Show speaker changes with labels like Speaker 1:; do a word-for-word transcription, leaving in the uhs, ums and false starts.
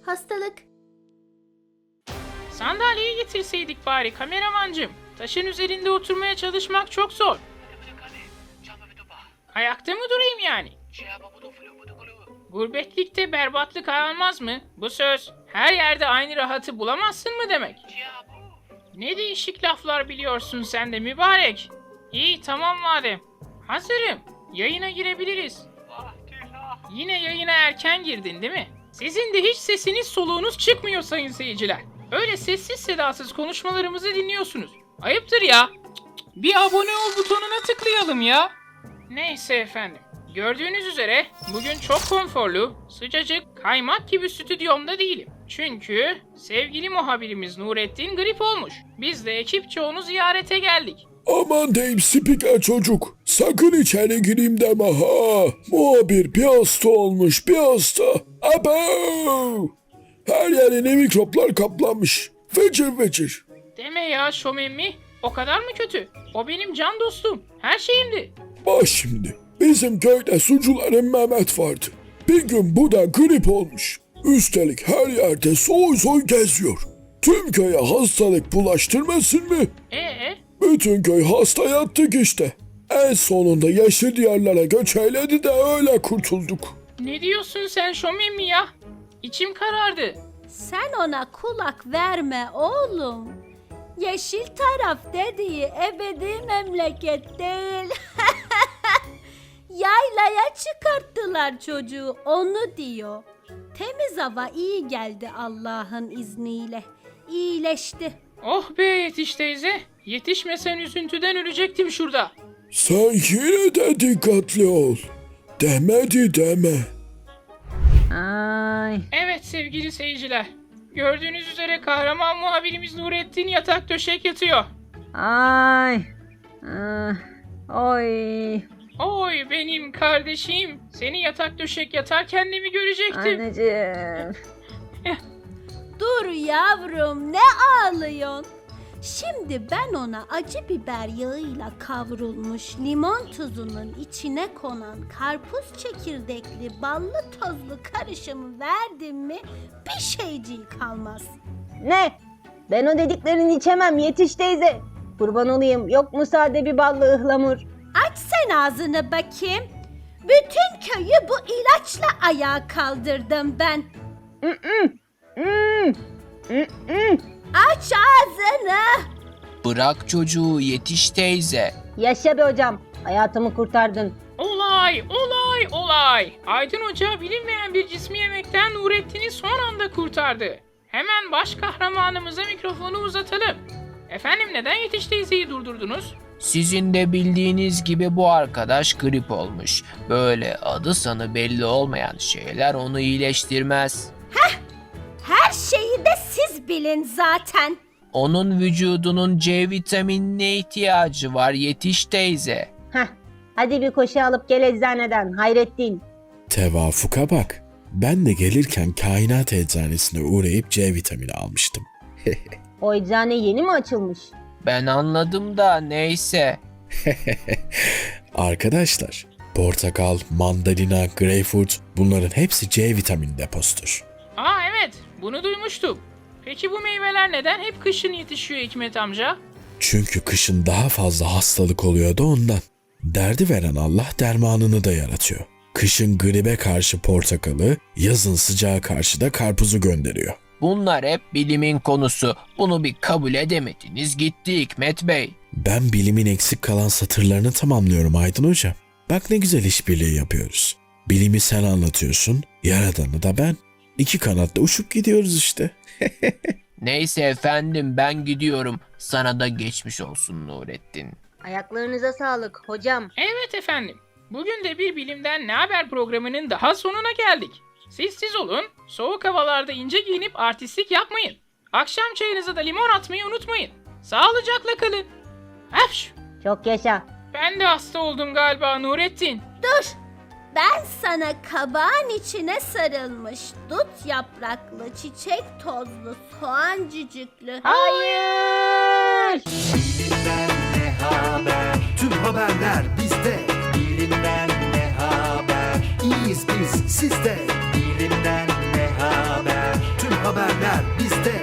Speaker 1: Hastalık.
Speaker 2: Sandalyeyi getirseydik bari kameramancım. Taşın üzerinde oturmaya çalışmak çok zor. Ayakta mı durayım yani? Gurbetlikte berbatlık almaz mı? Bu söz her yerde aynı rahatı bulamazsın mı demek? Ne değişik laflar biliyorsun sen de mübarek. İyi tamam madem. Hazırım. Yayına girebiliriz. Yine yayına erken girdin değil mi? Sizin de hiç sesiniz soluğunuz çıkmıyor sayın seyirciler. Öyle sessiz sedasız konuşmalarımızı dinliyorsunuz. Ayıptır ya. Bir abone ol butonuna tıklayalım ya. Neyse efendim. Gördüğünüz üzere bugün çok konforlu, sıcacık, kaymak gibi stüdyomda değilim. Çünkü sevgili muhabirimiz Nurettin grip olmuş. Biz de ekipçe onu ziyarete geldik.
Speaker 3: Aman deyim spiker çocuk. Sakın içeri gireyim deme ha. Muhabir bir hasta olmuş bir hasta. Abo! Her yerine mikroplar kaplanmış. Fecir fecir.
Speaker 2: Deme ya şomemmi. O kadar mı kötü? O benim can dostum. Her şeyimdi.
Speaker 3: Bak şimdi. Bizim köyde sucuların Mehmet vardı. Bir gün bu da grip olmuş. Üstelik her yerde soy soy geziyor. Tüm köye hastalık bulaştırmasın mı?
Speaker 2: Ee?
Speaker 3: Bütün köy hasta yattık işte. En sonunda yeşil diyarlara göç eyledi de öyle kurtulduk.
Speaker 2: Ne diyorsun sen şomemmi ya? İçim karardı.
Speaker 1: Sen ona kulak verme oğlum. Yeşil taraf dediği ebedi memleket değil. Yaylaya çıkarttılar çocuğu, onu diyor. Temiz hava iyi geldi Allah'ın izniyle. İyileşti.
Speaker 2: Oh be Yetiş teyze. Yetişmesen üzüntüden ölecektim şurada.
Speaker 3: Sen yine de dikkatli ol. Demedi deme.
Speaker 4: Ay.
Speaker 2: Evet sevgili seyirciler. Gördüğünüz üzere kahraman muhabirimiz Nurettin yatak döşek yatıyor.
Speaker 4: Ay. Ah, oy.
Speaker 2: Oy benim kardeşim. Seni yatak döşek yatarken de mi görecektim?
Speaker 4: Anneciğim.
Speaker 1: Dur yavrum, ne ağlıyorsun? Şimdi ben ona acı biber yağıyla kavrulmuş limon tuzunun içine konan karpuz çekirdekli ballı tozlu karışımı verdim mi bir şeyciği kalmaz.
Speaker 4: Ne? Ben o dediklerini içemem Yetiş teyze. Kurban olayım, yok mu sade bir ballı ıhlamur?
Speaker 1: Aç sen ağzını bakayım. Bütün köyü bu ilaçla ayağa kaldırdım ben.
Speaker 4: Mm, mm, mm.
Speaker 1: Aç ağzını.
Speaker 5: Bırak çocuğu Yetiş teyze.
Speaker 4: Yaşa be hocam, hayatımı kurtardın.
Speaker 2: Olay, olay, olay. Aydın Hoca bilinmeyen bir cismi yemekten Nurettin'i son anda kurtardı. Hemen baş kahramanımıza mikrofonu uzatalım. Efendim neden Yetiş teyzeyi durdurdunuz?
Speaker 5: Sizin de bildiğiniz gibi bu arkadaş grip olmuş. Böyle adı sanı belli olmayan şeyler onu iyileştirmez.
Speaker 1: Her şeyi de siz bilin zaten.
Speaker 5: Onun vücudunun C vitaminine ihtiyacı var Yetiş teyze.
Speaker 4: Heh, hadi bir koşu alıp gel eczaneden Hayrettin.
Speaker 3: Tevafuka bak. Ben de gelirken kainat eczanesine uğrayıp C vitamini almıştım.
Speaker 4: O eczane yeni mi açılmış?
Speaker 5: Ben anladım da neyse.
Speaker 3: Arkadaşlar, portakal, mandalina, greyfurt bunların hepsi C vitamini deposudur.
Speaker 2: Aa evet, bunu duymuştum. Peki bu meyveler neden hep kışın yetişiyor Hikmet amca?
Speaker 3: Çünkü kışın daha fazla hastalık oluyor da ondan. Derdi veren Allah dermanını da yaratıyor. Kışın gribe karşı portakalı, yazın sıcağa karşı da karpuzu gönderiyor.
Speaker 5: Bunlar hep bilimin konusu. Bunu bir kabul edemediniz gitti Hikmet Bey.
Speaker 3: Ben bilimin eksik kalan satırlarını tamamlıyorum Aydın Hocam. Bak ne güzel işbirliği yapıyoruz. Bilimi sen anlatıyorsun, yaradanı da ben. İki kanatla uçup gidiyoruz işte.
Speaker 5: Neyse efendim ben gidiyorum. Sana da geçmiş olsun Nurettin.
Speaker 4: Ayaklarınıza sağlık hocam.
Speaker 2: Evet efendim. Bugün de bir Bilimden Ne Haber programının daha sonuna geldik. Siz siz olun, soğuk havalarda ince giyinip artistlik yapmayın. Akşam çayınıza da limon atmayı unutmayın. Sağlıcakla kalın. Hapş!
Speaker 4: Çok yaşa.
Speaker 2: Ben de hasta oldum galiba Nurettin.
Speaker 1: Dur. Ben sana kabağın içine sarılmış dut yapraklı, çiçek tozlu, soğan cücüklü.
Speaker 2: Hayır!
Speaker 6: Bilimden ne haber? Tüm haberler bizde. Bilimden ne haber? İyiyiz biz sizde. Bilimden ne haber? Tüm haberler bizde.